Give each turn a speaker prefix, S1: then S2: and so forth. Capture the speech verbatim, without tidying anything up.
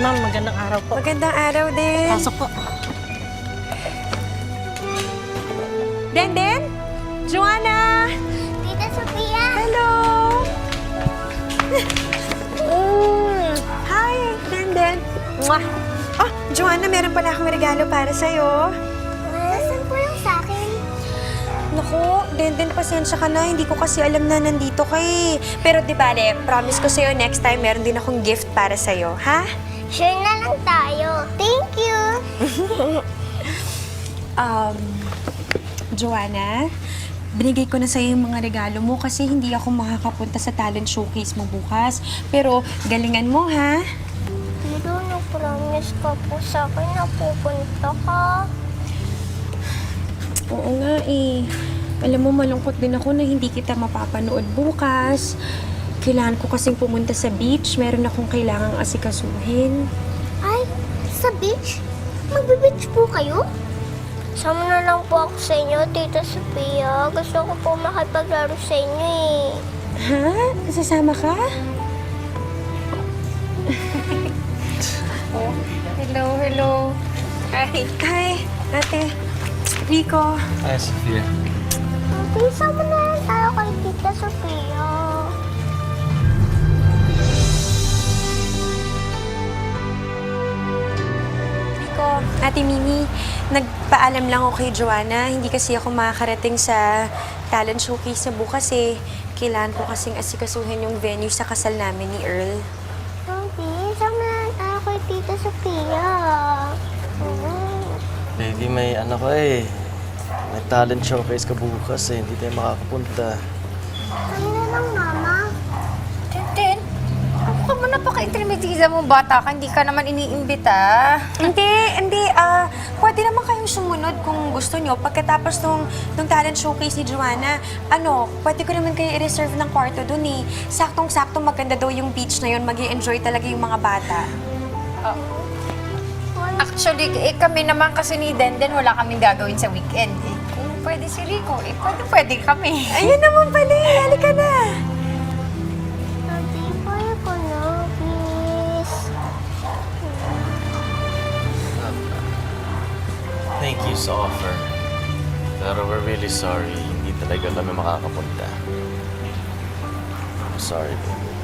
S1: ma'am. Magandang araw po.
S2: Magandang araw din.
S1: Pasok po.
S2: Denden? Joanna?
S3: Tita Sophia!
S2: Hello! mm. Hi, Denden. Mwah. Oh, Joanna, meron pala akong regalo para sa'yo.
S3: Nasaan po yung sa akin?
S2: Naku, Denden, pasensya ka na. Hindi ko kasi alam na nandito ka eh. Pero di bale, promise ko sa'yo next time meron din akong gift para sa'yo, ha?
S3: Share na lang tayo. Thank you!
S2: Um, Joanna, binigay ko na sa'yo yung mga regalo mo kasi hindi ako makakapunta sa talent showcase mo bukas. Pero galingan mo, ha?
S3: Pero na-promise ka po sa akin na pupunta ka.
S2: Oo nga eh. Alam mo, malungkot din ako na hindi kita mapapanood bukas. Kailangan ko kasing pumunta sa beach. Meron akong kailangang asikasuhin.
S3: Ay, sa beach? Magbe-beach po kayo? Sama na lang po ako sa inyo, Tita Sophia. Gusto ko po makipaglaro sa inyo eh.
S2: Ha? Sasama ka?
S4: Oh, hello, hello. Hi.
S2: Hi, ate. Rico.
S5: Hi, Sophia.
S3: Ate, sama na lang tayo kay Tita Sophia.
S2: Rico. Ate Mimi, nagpaalam lang ako kay Joanna. Hindi kasi ako makakarating sa talent showcase na bukas eh. Kailangan ko kasing asikasuhin yung venue sa kasal namin ni Earl.
S3: Ate, sama na lang tayo kay Tita Sophia. Mm.
S5: Baby, may ano ka eh. May talent showcase ka bukas eh. Hindi tayo makakapunta.
S3: Kami na lang, Mama.
S4: Tintin, ako ka mo napaka-intermediza mong bata ka. Hindi ka naman iniimbita.
S2: Hindi, hindi. Ah, pwede naman kayong sumunod kung gusto nyo. Pagkatapos nung, nung talent showcase ni Joanna, ano, pwede ko naman kayo i-reserve ng kwarto dun eh. Saktong-sakto maganda daw yung beach na yun. Mag-i-enjoy talaga yung mga bata.
S4: Actually, eh, kami naman kasi ni Denden, wala kaming gagawin sa weekend. Eh, kung pwede si Rico, eh, pwede, pwede kami.
S2: Ayun naman pala eh. Halika na.
S3: Ate, pwede ko na, please.
S5: Thank you sa offer. Pero we're really sorry. Hindi talaga kami makakapunta. I'm sorry, baby.